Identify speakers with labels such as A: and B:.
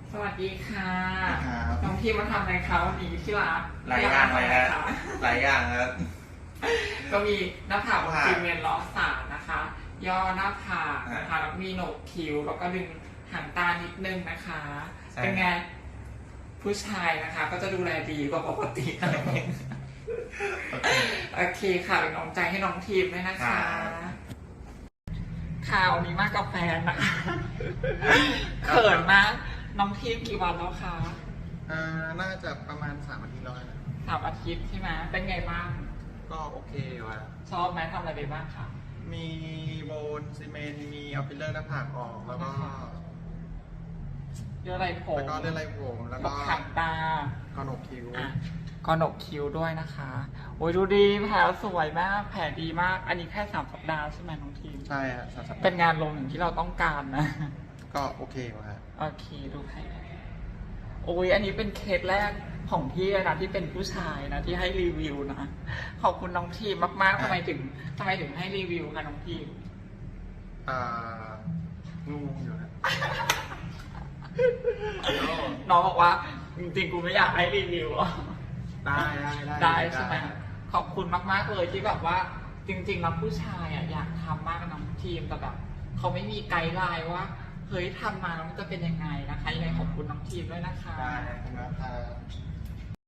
A: สวัสดีค่ะ
B: ครับ
A: น้องทีมมาทำอะไรคะวันนี้ที่รัก
B: หลายอย่างเลย
A: นะ
B: นะหลายอย่างครับ
A: ก็มีหน้าผากซีเมนต์ล้อสานนะคะ ย่อหน้าผากนะคะแล้วมีโหนกคิ้วแล้วก็ดึงหางตานิดนึงนะคะ
B: ใช่
A: เป็นไงผู้ชายนะคะ ก็จะดูแลดีกว่าปกติหน่อยนึงโอเคค่ะเป็นกำลังใจให้น้องทีมด้วยนะคะค่ะวันนี้มากับแฟนนะคะเขินมากน้องทีมกี่วันแล้วคะ
B: น่าจะประมาณ3 อาทิตย์แล้วนะ
A: 3 อาทิตย์ใช่ไหมเป็นไงบ้าง
B: ก็โอเคอยู่ครับ
A: ชอบไหมทำอะไรไปบ้างคะ
B: มีโบนซีเมนต์มีเอาฟิลเลอร์หน้าผากออกแล้วก็
A: เยอะอะไรผม
B: เลื่อนไรผมแล้ว
A: บ
B: ก็
A: อกหางตา
B: กระหนกคิ้ว
A: อ่ะก็หนกคิ้วด้วยนะคะ โอ้ยดูดีแผลสวยมากแผลดีมาก อันนี้แค่3 สัปดาห์ใช่ไหมน้องทีม
B: ใช่ฮะสัปดาห์
A: เป็นงานลงอย่างที่เราต้องการนะ
B: ก็โอเคอยู่ครับ
A: โอเคดูแผลโอ้ยอันนี้เป็นเคสแรกของพี่เลยนะที่เป็นผู้ชายนะที่ให้รีวิวนะ ขอบคุณน้องทีมมากๆทำไมถึงให้รีวิวคะน้องทีม
B: งงอยู่นะ
A: น้องบอกว่าจริงๆกูไม่อยากให้รีวิวหรอก
B: ได้
A: ใช่ไหมขอบคุณมากๆเลยที่แบบว่าจริงๆแล้วผู้ชายอ่ะอยากทำมากน้องทีมแต่แบบเขาไม่มีไกด์ไลน์ว่าเฮ้ยทำมาแล้วมันจะเป็นยังไงนะคะยังไงขอบคุณน้องทีมด้วยนะคะ
B: ได้ครับ